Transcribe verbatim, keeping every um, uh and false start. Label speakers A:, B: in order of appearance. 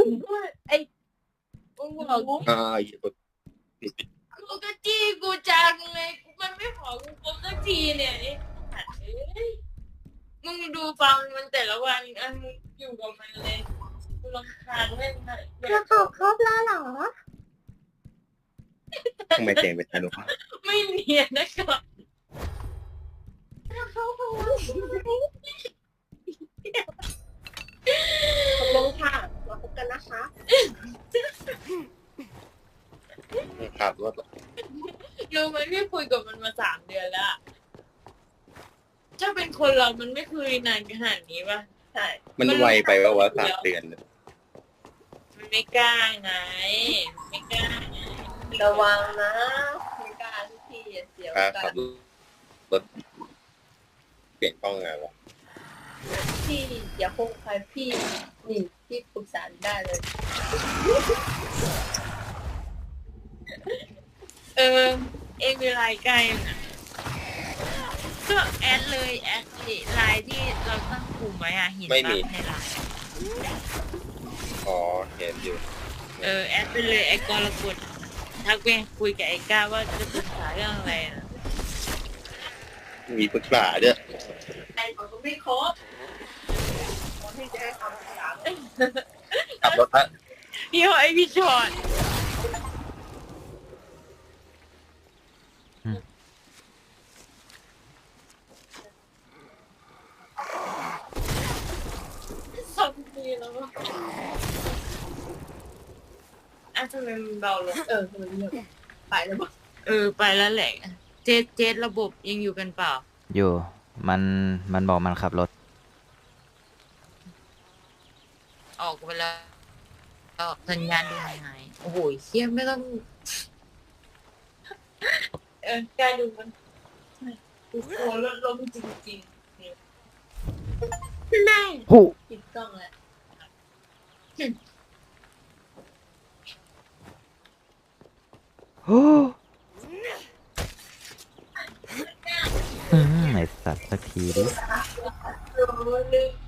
A: ไอ้มึงบอกกู
B: อ่าอีก
A: กูก็จี้กูจังเลยมันไม่ขอกูคบสักทีเนี่ยไอ้สัตว์เอ้ยมึงดูฟังมันแต่ละวันอันมึงอยู่กับมันเลยกูรำคาญแม่งเลย
C: เราตอบครบแล้วเหรอ
B: ทำไมเสียงเป็นอนุภาพ
A: ไม่เนียนนะครับ
C: เราเข้าห้องตกลงค่ะเราพบกันนะคะ
B: ขับรถ
A: รู้ไหมพี่คุยกับมันมาสามเดือนแล้วอะถ้าเป็นคนเรามันไม่คุยนานขนาดนี้ป่ะใช่
B: มันไวไปว่าวะสามเดือน
A: มันไม่กล้าไงไม่กล้าไง
C: ระวังนะไม่กล้าทุกทีเสียว
B: ค่า
C: กั
B: ขับ
C: น
B: รถเปลี่ยนกล้องไงวะ
C: พี่อย่าคงใครพี่นี่พี่ปรึกษาได้เลย
A: เออเองมีไลน์ใกล้นะก็แอดเลยแอดไลน์ที่เราตั้งกลุ่มไว้อะเห็นปะในไลน์
B: อ๋อเห็นอยู่
A: เออแอดไปเลยไอ้กรกฎทักไปคุยกับไอ้ก้าว่าจะปรึกษาเรื่องอะไรนะ
B: มีปรึกษาด้วย
C: ไอ้ของก็ไม่ครบคนที่จะให้คำปรึกษา
B: ขับรถอะ
A: พี่หอยพี่ชอดสองปีแล้วอะอ่ะทำไมมันเบาลง
C: เออมันเรื่องไปแล้วบอก
A: เออไปแล้วแหละเจดเจดระบบยังอยู่กันเปล่า
D: อยู่ มัน มันบอกมันขับรถ
A: ออกไปแล้วก็สัญญาณดูหายหายโอ้โหเชี่ยไม่ต้อง เออการดูมันกูโคลดลมจริงๆ
C: แม่
D: หู
C: ปิดกล้องแล้ว
D: หูอืมไอสัตว์สักทีดิ
C: โอ้ลืม